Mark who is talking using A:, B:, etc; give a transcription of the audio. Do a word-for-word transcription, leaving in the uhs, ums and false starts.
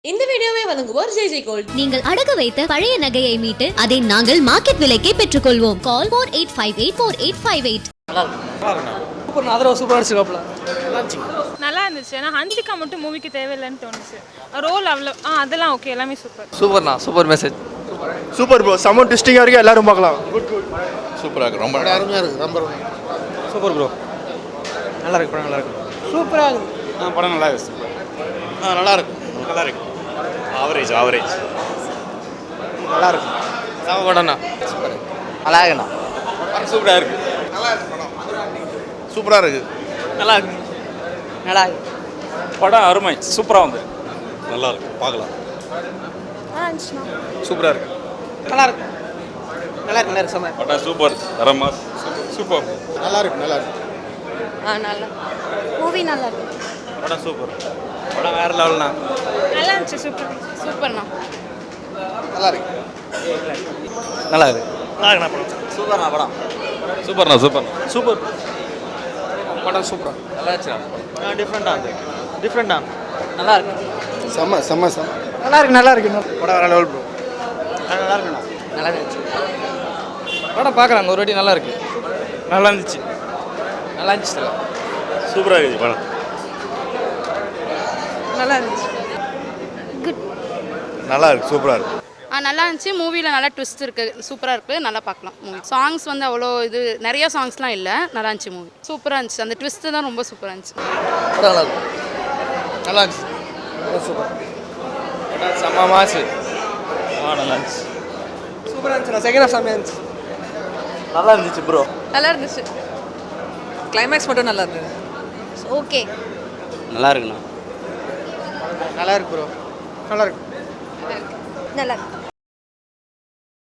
A: இந்த வீடியோவை வழங்குவோர் ஜெய் ஜெய் கோல்ட்.
B: நீங்கள் அடகு வைத்த பழைய நகையை மீட்டு அதை நாங்கள் மார்க்கெட் விலைக்கே பெற்றுக்கொள்வோம். கால் four eight five eight four eight five eight.
C: நல்லா இருக்கு. சூப்பர். அதரோ சூப்பரா இருந்துச்சுல. நல்லா இருந்துச்சு.
D: நல்லா இருந்துச்சு. ஆனா ஹன்சிகா மட்டும் மூவிக்கு தேவையில்லைன்னு தோணுச்சு. ரோல் அவ்வளோ ஆ அதெல்லாம் ஓகே, எல்லாமே சூப்பர்.
C: சூப்பர்ண்ணா, சூப்பர் மெசேஜ்.
E: சூப்பர் ப்ரோ, செம்ம ட்விஸ்டிங்கா இருக்கு, எல்லாரும் பார்க்கலாம். Good good.
F: சூப்பரா இருக்கு, ரொம்ப அருமையா இருக்கு, ரொம்ப
C: சூப்பர் ப்ரோ. நல்லா இருக்கு, படம் நல்லா இருக்கு. சூப்பரா இருக்கு.
F: ஆ படம் நல்லா இருக்கு. சூப்பர். ஆ நல்லா இருக்கு. நல்லா இருக்கு. Average average.
C: நல்லா இருக்கு. சாம படம்ண்ணா. சூப்பர். நல்லா இருக்குண்ணா.
F: படம் சூப்பரா இருக்கு. நல்லா இருக்கு படம். சூப்பரா இருக்கு.
C: நல்லா இருக்கு. நல்லா இருக்கு.
F: படம் அருமை, சூப்பரா வந்து. நல்லா இருக்கு, பார்க்கலாம்.
D: நல்லா இருந்துச்சுண்ணா.
C: சூப்பரா இருக்கு. நல்லா இருக்கு. நல்லா இருக்கு, நல்லா இருக்கு சாம.
F: படம் சூப்பர், தரமா சூப்பர்.
E: நல்லா இருக்கு, நல்லா இருக்கு.
D: ஆ நல்லா மூவி நல்லா இருக்கு.
C: படம் சூப்பர். படம் வேற லெவல்ண்ணா.
D: நல்லா இருந்துச்சு. சூப்பர் சூப்பர்ண்ணா.
E: நல்லா இருக்கு.
C: நல்லா இருக்கு. நல்லா இருக்குண்ணா படம். சூப்பர்ண்ணா படம்.
F: சூப்பர்ண்ணா சூப்பர்.
C: சூப்பர். படம் சூப்பரா. நல்லா இருந்துச்சு. ஆ டிஃப்ரெண்டா இருக்கு. டிஃப்ரெண்டா. நல்லா இருக்கு.
E: செம்ம செம்ம செம்ம.
C: நல்லா இருக்கு, நல்லா இருக்கு. படம் வேற லெவல் ப்ரோ. நல்லா இருக்குண்ணா. நல்லா இருந்துச்சு. படம் பார்க்குறாங்க ஒரு வாட்டி. நல்லா இருக்கு. நல்லா இருந்துச்சு. நல்லா இருந்துச்சு.
F: சூப்பரா இருக்கு படம்.
D: நல்லா இருந்துச்சு.
G: குட்.
F: நல்லா இருக்கு, சூப்பரா இருக்கு.
G: ஆ நல்லா இருந்துச்சு. மூவியில் நல்லா ட்விஸ்ட் இருக்குது, சூப்பராக இருக்குது, நல்லா பார்க்கலாம் மூவி. சாங்ஸ் வந்து அவ்வளோ இது நிறைய சாங்ஸ்லாம் இல்லை, நல்லா இருந்துச்சு மூவி. சூப்பராக இருந்துச்சு. அந்த ட்விஸ்ட்டு தான் ரொம்ப சூப்பராக இருந்துச்சு.
C: படம் நல்லா இருக்கு. நல்லா இருந்துச்சு. சூப்பர். படம் செம்ம மாசு. ஆ நல்லா இருந்துச்சு. சூப்பராக இருந்துச்சு. நான் செகண்ட் ஹாஃப் செம்மையாக இருந்துச்சு. நல்லா இருந்துச்சு ப்ரோ.
G: நல்லா இருந்துச்சு.
C: கிளைமேக்ஸ் மட்டும் நல்லா இருந்தது.
G: ஓகே.
C: நல்லா இருக்குண்ணா. நல்லா இருக்கு ப்ரோ. நல்லா இருக்கு.
G: நல்லா இருக்கு.